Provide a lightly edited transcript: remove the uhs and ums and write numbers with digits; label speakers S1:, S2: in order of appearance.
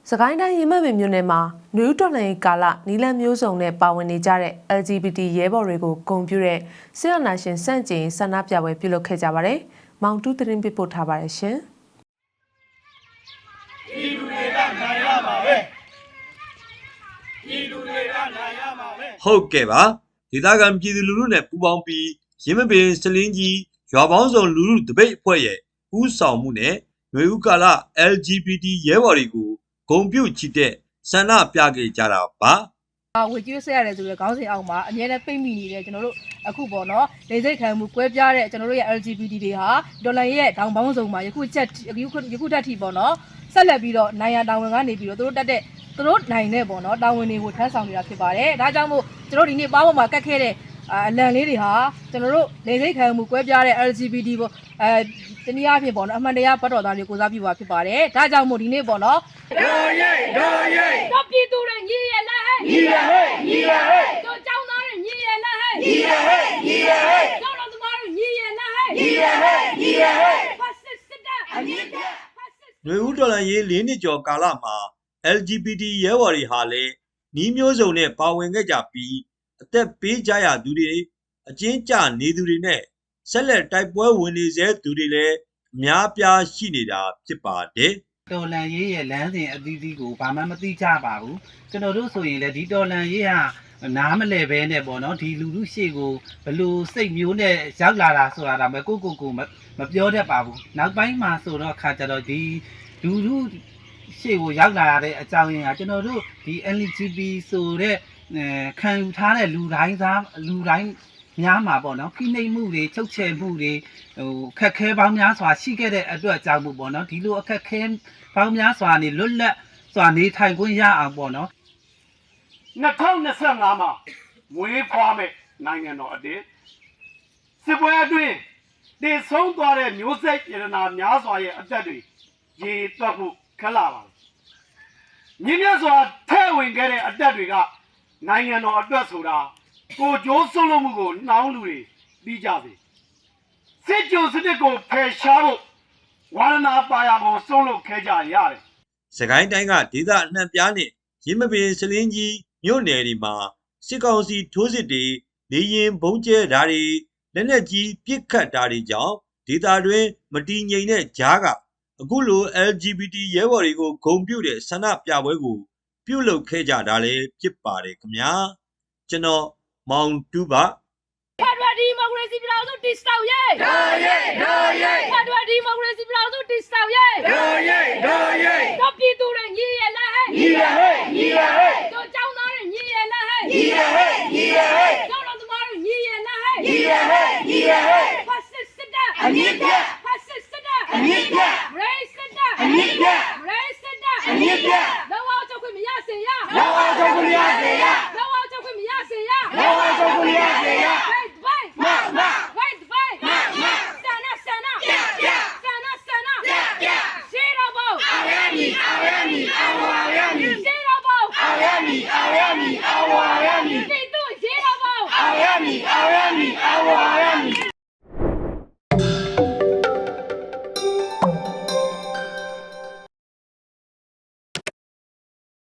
S1: စကိုင်းတိုင်းရေမက်ပင်မြို့နယ်မှာနယူးတော်လိုင်းကာလနီလန်မျိုးစုံနဲ့ပါဝင်နေကြတဲ့ LGBT ရဲဘော်တွေကိုဂုဏ်ပြုတဲ့ဆီယနာရှင်စန့်ကျင်ဆန္ဒပြပွဲပြုလုပ်ခဲ့ကြပါတယ်။မောင်တူးသတင်းပေးပို့ထားပါတယ်ရှင်
S2: ။ဒီလူတွေကနိုင်ရမှာပဲ။ဒီလူတွေကနိုင်ရမှာပဲ။ဟုတ်ကဲ့ပါ။ဒေသခံပြည်သူလူထုနဲ့ပူးပေါင်းပြီးရင်းမပင်စလင်းကြီးရွာပေါင်းစုံလူထုတပိတ်အဖွဲ့ရဲ့ဦးဆောင်မှုနဲ့ຫນွေဦးကာလ LGBT ရဲဘော်တွေကိုဂုဏ်ပြုချီတဲ့ဆန္ဒပြခဲ့ကြတာပါ
S3: ။ဝေကျွေးဆက်ရတယ်ဆိုတော့ခေါင်းစဉ်အောက်မှာအများနဲ့ပိတ်မိနေတယ်ကျွန်တော်တို့အခုပေါ့နော်လေစိတ်ခံမှုကွဲပြားတဲ့ကျွန်တော်တို့ရဲ့ LGBT တွေဟာဒေါ်လာရဲ့တောင်ပေါင်းစုံမှာယခုတက်ထိပေါ့နော်ဆက်လက်ပြီးတော့နိုင်ရတာဝန်ကနေပြီးတော့သူတို့နိုင်တဲ့ပေါ့နော်တာဝန်တွေကိုထမ်းဆောင်နေတာဖြစ်ပါတယ်။ဒါကြောင့်မို့ကျွန်တော်ဒီနေ့ပါးပေါ်မှာကတ်ခဲ့တဲ့အလံလေးတွေဟာကျွန်တော်တို့လေစိတ်ခံမှုကွဲပြားတဲ့ LGBT ပေါ့တနည်းအားဖြင့်ပေါ့နော်အမှန်တရားပတ်တော်သားတွေကိုစားပြပါဖြစ်ပါတယ်။ဒါကြောင့်မို့ဒီနေ့ပေါ့နော်
S2: တော်ရိတ်
S3: တော့ပြည်သူတွေညီရလားဟဲ့
S2: ညီရဟဲ့
S3: တို့ကျောင်းသားတွေညီရလားဟဲ့
S2: ညီရဟဲ့
S3: ကျောင်းတော်သမားတွေညီရလားဟဲ့
S2: ညီရဟဲ့
S3: ဖတ်စစ်တပ်အမြင့်တဲ့
S2: ຫນွေဦးတော်လှန်ရေး၄နှစ်ကျော်ကာလမှာ LGBT ရဲဘော်တွေဟာလည်းနှီးမျိုးစုံနဲ့ပါဝင်ခဲ့ကြပြီးအသက်ပေးကြရသူတွေအကျဉ်းကျနေသူတွေနဲ့ဆက်လက်တိုက်ပွဲဝင်နေစေသူတွေလည်းအများပြားရှိနေတာဖြစ်ပါတယ်
S4: တော်လန်ရေးရဲ့လမ်းစဉ်အသီးသီးကိုဘာမှမသိကြပါဘူးကျွန်တော်တို့ဆိုရင်လည်းဒီတော်လန်ရေးဟာနားမလဲပဲနဲ့ပေါ့နော်ဒီလူလူရှေ့ကိုဘလို့စိတ်မျိုးနဲ့ရောက်လာတာဆိုတာဒါမှကိုမပြောတတ်ပါဘူးနောက်ပိုင်းမှာဆိုတော့ခါကြတော့ဒီလူလူရှေ့ကိုရောက်လာတဲ့အကြောင်းရင်းကကျွန်တော်တို့ဒီ LGBT ဆိုတဲ့ခံယူထားတဲ့လူတိုင်းများမှာပေါ့နော်ဖိနှိပ်မှုတွေချုပ်ချယ်မှုတွေခက်ခဲပေါင်းများစွာရှိခဲ့တဲ့အတွက်ကြောင့်မို့ပေါ့နော်ဒီလိုအခက်ခဲပေါင်းများစွာနေလွတ်လပ်စွာနေထိုင်ခွင့်ရအောင်ပေါ့နော်
S5: 2025မှာမွေးဖွားမဲ့နိုင်ငံတော်အတင်းစစ်ပွဲအတွင်းတည်ဆုံးသွားတဲ့မျိုးဆက်ရတနာများစွာရဲ့အသက်တွေရေတွက်ဖို့ခက်လာပါတယ်မြင့်မြတ်စွာထဲ့ဝင်ခဲ့တဲ့အသက်တွေကနိုင်ငံတော်အတွက်ဆိုတာကိုကြိုးစွန့်လို့မှုကိုနှောင်းလူတွေပြီးကြစေစစ်ကြုံစနစ်ကိုဖယ်ရှားဖို့ဝါရဏပါရကိုစွန့်လို့ခဲကြရတယ်
S2: စကိုင်းတိုင်းကဒေသအနှံ့ပြားနဲ့ရင်းမပင်စလင်းကြီးမြို့နယ်တွေမှာစစ်ကောင်စီထိုးစစ်တွေလေရင်ဘုံကျဲဓာတ်တွေလက်နက်ကြီးပစ်ခတ်တာတွေကြောင့်ဒေသတွင်းမတည်ငြိမ်တဲ့ကြားကအခုလို LGBT ရဲဘော်တွေကိုဂုဏ်ပြုတဲ့ဆန္ဒပြပွဲကိုပြုလုပ်ခဲ့ကြတာလည်းဖြစ်ပါတယ်ခင်ဗျာကျွန်တော်မောင်တူးပါ
S3: ဖက်ဒရယ်ဒီမိုကရေစီပြည်ထောင်စုတည်ဆောက်ရေးဖက်ဒရယ်ဒီမိုကရေစီပြည်ထောင်စုတည်ဆောက်ရေး
S2: တော့
S3: ပြည်သူတွေညီရလားဟဲ့
S2: ညီရဟဲ့